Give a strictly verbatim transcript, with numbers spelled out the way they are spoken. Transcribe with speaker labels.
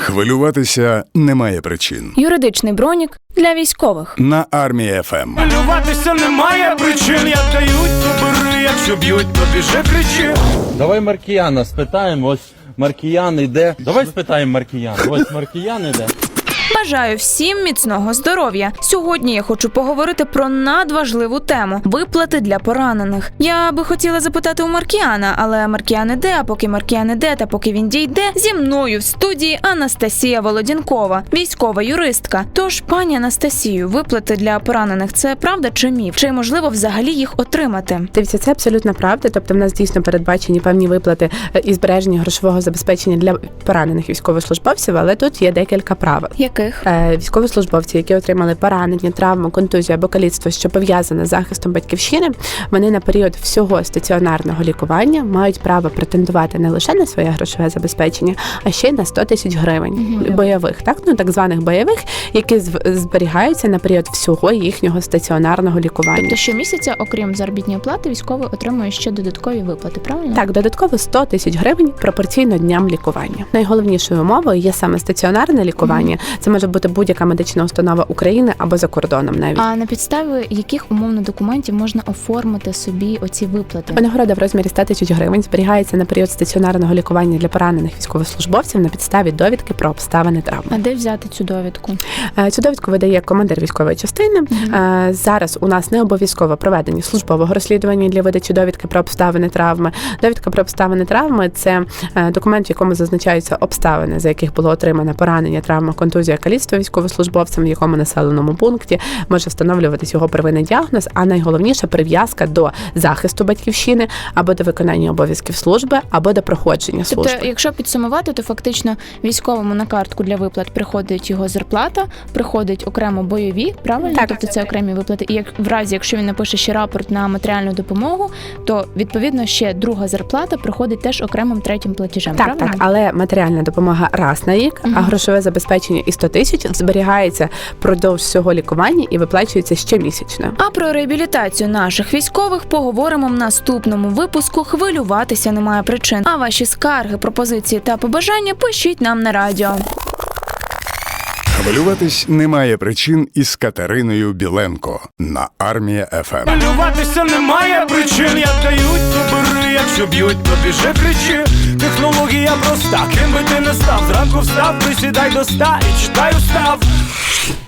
Speaker 1: Хвилюватися немає причин.
Speaker 2: Юридичний бронік для військових.
Speaker 1: На Армія еф ем.
Speaker 3: Хвилюватися немає причин, як дають, то бери, якщо б'ють, то біжи, кричи.
Speaker 4: Давай Маркіяна спитаємо, ось Маркіян іде. Давай спитаємо Маркіяна, ось Маркіян іде.
Speaker 2: Бажаю всім міцного здоров'я. Сьогодні я хочу поговорити про надважливу тему – виплати для поранених. Я би хотіла запитати у Маркіяна, але Маркіян іде, а поки Маркіян іде та поки він дійде, зі мною в студії Анастасія Володінкова, військова юристка. Тож, пані Анастасію, виплати для поранених – це правда чи міф? Чи можливо взагалі їх отримати?
Speaker 5: Дивіться, це абсолютно правда. Тобто в нас дійсно передбачені певні виплати і збереження грошового забезпечення для поранених військовослужбовців, але тут є декілька правил.
Speaker 2: Яких?
Speaker 5: Військовослужбовці, які отримали поранення, травму, контузію або каліцтво, що пов'язане з захистом батьківщини, вони на період всього стаціонарного лікування мають право претендувати не лише на своє грошове забезпечення, а ще й на сто тисяч гривень mm-hmm. бойових, так, ну так званих бойових, які зберігаються на період всього їхнього стаціонарного лікування.
Speaker 2: Тобто щомісяця, окрім заробітної плати, військовий отримує ще додаткові виплати, правильно?
Speaker 5: Так, додатково сто тисяч гривень пропорційно дням лікування. Найголовнішою умовою є саме стаціонарне лікування. Mm-hmm. Це може бути будь-яка медична установа України або за кордоном навіть.
Speaker 2: А на підставі яких умовно документів можна оформити собі оці виплати?
Speaker 5: Винагорода в розмірі сто тисяч гривень зберігається на період стаціонарного лікування для поранених військовослужбовців на підставі довідки про обставини травми.
Speaker 2: А де взяти цю довідку?
Speaker 5: Цю довідку видає командир військової частини. Mm-hmm. Зараз у нас не обов'язково проведення службового розслідування для видачі довідки про обставини травми. Довідка про обставини травми – це документ, в якому зазначаються обставини, за яких було отримано поранення, травма, контузія, каліцтво військовослужбовцем, в якому населеному пункті може встановлюватись його первинний діагноз, а найголовніше прив'язка до захисту батьківщини або до виконання обов'язків служби, або до проходження служби.
Speaker 2: Тобто, якщо підсумувати, то фактично військовому на картку для виплат приходить його зарплата, приходить окремо бойові, правильно?
Speaker 5: Так.
Speaker 2: Тобто це окремі виплати. І як в разі, якщо він напише ще рапорт на матеріальну допомогу, то відповідно ще друга зарплата приходить теж окремим третім платежем.
Speaker 5: Так,
Speaker 2: правильно?
Speaker 5: так, але матеріальна допомога раз на рік, угу. а грошове забезпечення і сто тисяч зберігається впродовж всього лікування і виплачується щомісячно.
Speaker 2: А про реабілітацію наших військових поговоримо в наступному випуску. Хвилюватися немає причин. А ваші скарги, пропозиції та побажання пишіть нам на радіо.
Speaker 1: Хвилюватись немає причин із Катериною Біленко на Армія еф ем.
Speaker 3: Хвилюватися немає причин, як дають, то бери, якщо б'ють, то біжи, кричи. Технологія проста, ким би ти не став, зранку встав, присідай до ста і читай устав.